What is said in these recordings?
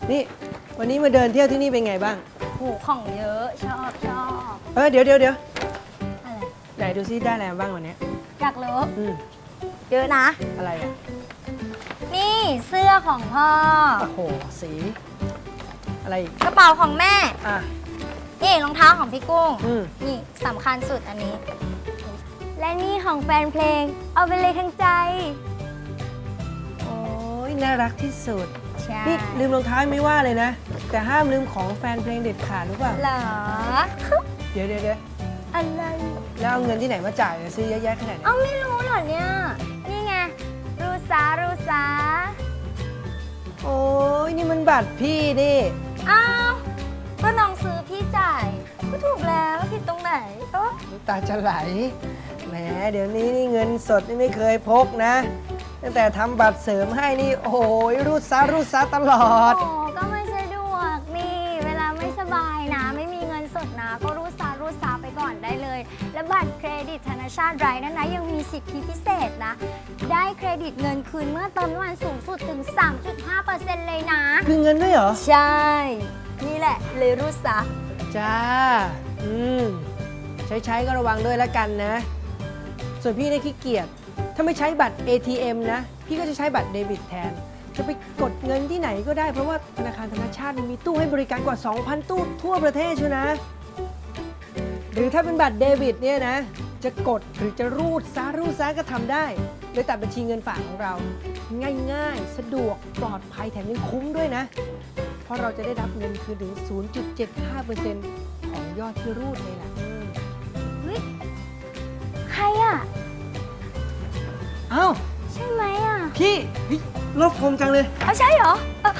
นี่วันนี้มาเดินเที่ยวที่นี่เป็นไงบ้างโหของเยอะชอบเดี๋ยวอะไรไหนดูซิได้อะไรมาบ้างวันนี้อยากรู้อืมเยอะนะอะไรอ่ะนี่เสื้อของพ่อโอ้โหสีอะไรอีกกระเป๋าของแม่อ่ะนี่รองเท้าของพี่กุ้งนี่สำคัญสุดอันนี้ และนี่ของแฟนเพลงเอาไปเลยทั้งใจโอ้ยน่ารักที่สุดใช่นี่ลืมรองเท้าไม่ว่าเลยนะแต่ห้ามลืมของแฟนเพลงเด็ดขาดหรือเปล่าเหรอเดี๋ยวอะไรแล้วเอาเงินที่ไหนมาจ่ายซื้อเยอะแยะขนาดนี้เอาไม่รู้เหรอเนี่ยนี่ไงรูซาโอ้ยนี่มันบัตรพี่นี่อ้าวก็น้องซื้อพี่จ่ายก็ถูกแล้วผิดตรงไหนน้ำตาจะไหลแหมเดี๋ยวนี้นี่เงินสดนี่ไม่เคยพกนะตั้งแต่ทำบัตรเสริมให้นี่โอ้ยรูดซาตลอดโอ้ก็ไม่สะดวกนี่เวลาไม่สบายนะไม่มีเงินสดนะก็รูดซาไปก่อนได้เลยและบัตรเครดิตธนาชาติไรนั้นนะยังมีสิทธิพิเศษนะได้เครดิตเงินคืนเมื่อเติมน้ำมันสูงสุดถึง 3.5% เลยนะคือเงินด้วยเหรอใช่นี่แหละเลยรูดซาจ้าใช้ก็ระวังด้วยแล้วกันนะส่วนพี่เนี่ยขี้เกียจถ้าไม่ใช้บัตร ATM นะพี่ก็จะใช้บัตรเดบิตแทนจะไปกดเงินที่ไหนก็ได้เพราะว่าธนาคารธนาชาติมีตู้ให้บริการกว่า 2,000 ตู้ทั่วประเทศชัวนะหรือถ้าเป็นบัตรเดบิตเนี่ยนะจะกดหรือจะรูดซาก็ทำได้โดยตัดบัญชีเงินฝากของเราง่ายๆสะดวกปลอดภัยแถมยังคุ้มด้วยนะเพราะเราจะได้รับเงินคืนถึง 0.75% ของยอดที่รูดเลยล่ะเฮ้ยใครอ่ะอ้าวใช่ไหมอ่ะพี่รบคมจังเลยเอาใช่เหรอ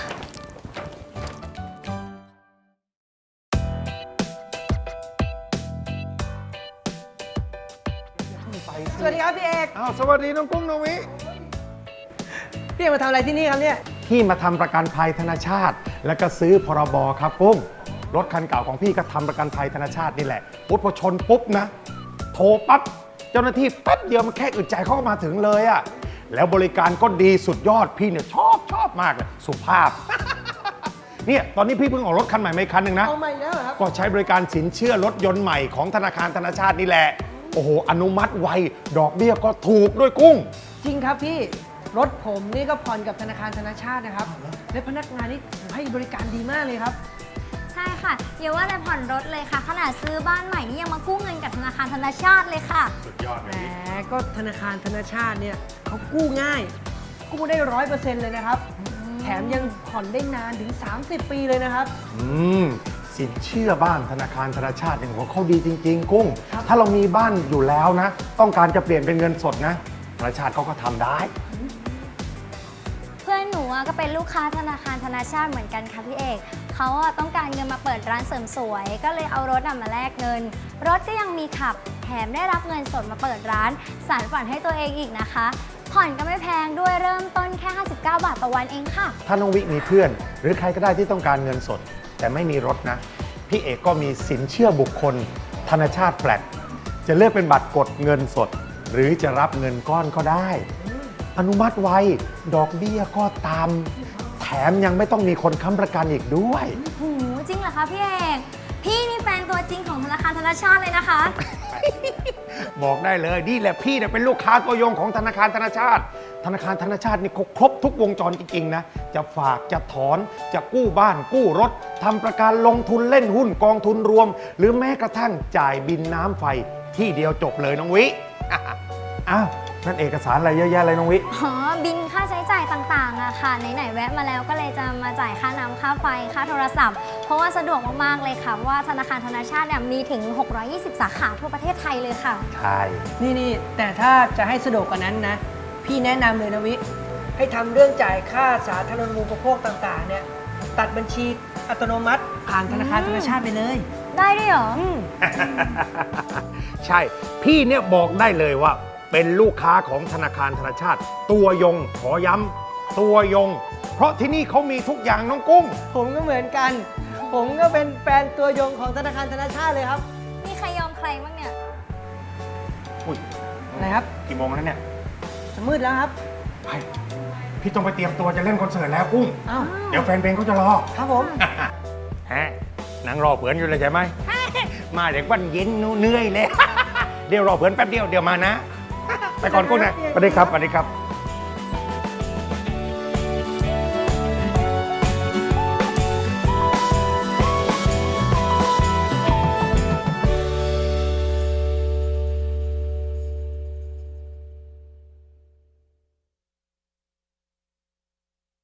สวัสดีครับพี่เอกอ้าวสวัสดีน้องกุ้งน้องวิพี่เอกมาทำอะไรที่นี่ครับเนี่ยพี่มาทำประกันภัยธนาชาติแล้วก็ซื้อพรบครับกุ้งรถคันเก่าของพี่ก็ทำประกันภัยธนาชาตินี่แหละพอชนปุ๊บนะโทรปั๊บเจ้าหน้าที่แป๊บเดียวมันแค่อึดใจเขาก็มาถึงเลยอะแล้วบริการก็ดีสุดยอดพี่เนี่ยชอบมากเลยสุภาพ เนี่ยตอนนี้พี่เพิ่งออกรถคันใหม่มาอีกคันหนึ่งนะเอาใหม่แล้วครับก็ใช้บริการสินเชื่อรถยนต์ใหม่ของธนาคารธนาชาตินี่แหละโอ้โหอนุมัติไวดอกเบี้ยก็ถูกด้วยกุ้งจริงครับพี่รถผมนี่ก็ผ่อนกับธนาคารธนาชาตินะครับและพนักงานนี่ให้บริการดีมากเลยครับใช่ค่ะอย่าว่าแต่ผ่อนรถเลยค่ะขนาดซื้อบ้านใหม่นี่ยังมากู้เงินกับธนาคารธนาชาติเลยค่ะสุดยอดแหมก็ธนาคารธนาชาติเนี่ยเขากู้ง่ายกู้ได้ 100% เลยนะครับแถมยังผ่อนได้นานถึง30 ปีเลยนะครับสินเชื่อบ้านธนาคารธนาชาติเนี่ยเขาดีจริงๆกุ้งถ้าเรามีบ้านอยู่แล้วนะต้องการจะเปลี่ยนเป็นเงินสดนะธนาชาติเขาก็ทำได้เพื่อนหนูก็เป็นลูกค้าธนาคารธนาชาติเหมือนกันค่ะพี่เอกเขาต้องการเงินมาเปิดร้านเสริมสวยก็เลยเอารถมาแลกเงินรถก็ยังมีขับแถมได้รับเงินสดมาเปิดร้านสานฝันให้ตัวเองอีกนะคะผ่อนก็ไม่แพงด้วยเริ่มต้นแค่59 บาทต่อวันเองค่ะถ้าน้องวิมีเพื่อนหรือใครก็ได้ที่ต้องการเงินสดแต่ไม่มีรถนะพี่เอกก็มีสินเชื่อบุคคลธนาชาติแฟลตจะเลือกเป็นบัตรกดเงินสดหรือจะรับเงินก้อนก็ได้อนุมัติไวดอกเบี้ยก็ตามแถมยังไม่ต้องมีคนค้ำประกันอีกด้วยโอ้โหจริงเหรอคะพี่เอกพี่นี่แฟนตัวจริงของธนาคารธนาชาติเลยนะคะบอกได้เลยนี่แหละพี่เนี่ยเป็นลูกค้าตัวยงของธนาคารธนาชาติธนาคารธนาชาตินี่ครบทุกวงจรจริงๆนะจะฝากจะถอนจะกู้บ้านกู้รถทำประกันลงทุนเล่นหุ้นกองทุนรวมหรือแม้กระทั่งจ่ายบินน้ำไฟที่เดียวจบเลยน้องวิอ้าวนั่นเอกสารอะไรเยอะแยะเลยน้องวิอ๋อบินค่าใช้จ่ายต่างๆอะค่ะไหนๆแวะมาแล้วก็เลยจะมาจ่ายค่าน้ำค่าไฟค่าโทรศัพท์เพราะว่าสะดวกมากๆเลยค่ะว่าธนาคารธนาชาติเนี่ยมีถึง620 สาขาทั่วประเทศไทยเลยค่ะใช่นี่แต่ถ้าจะให้สะดวกกว่านั้นนะพี่แนะนำเลยนะวิให้ทำเรื่องจ่ายค่าสาธารณูปโภคต่างๆเนี่ยตัดบัญชีอัตโนมัติผ่านธนาคารธนาชาติไปเลยได้ด้วยเหรอใช่พี่เนี่ยบอกได้เลยว่าเป็นลูกค้าของธนาคารธนาชาติตัวยงขอย้ำตัวยงเพราะที่นี่เขามีทุกอย่างน้องกุ้งผมก็เหมือนกันผมก็เป็นแฟนตัวยงของธนาคารธนาชาติเลยครับมีใครยอมใครบ้างเนี่ยอุ้ยอะไรครับกี่โมงแล้วเนี่ยจะมืดแล้วครับไปพี่ต้องไปเตรียมตัวจะเล่นคอนเสิร์ตแล้วกุ้งอ้าวเดี๋ยวแฟนเพลงเขาจะรอครับผมฮะนางรอเผื่อนอยู่เลยใช่ไหม มาเด็กวันเย็นเหนื่อยเลย เดี๋ยวรอเผื่อนแป๊บเดียวเดี๋ยวมานะ ไปก่อนกุ้งนะสวัสดีครับสวัสดีครับ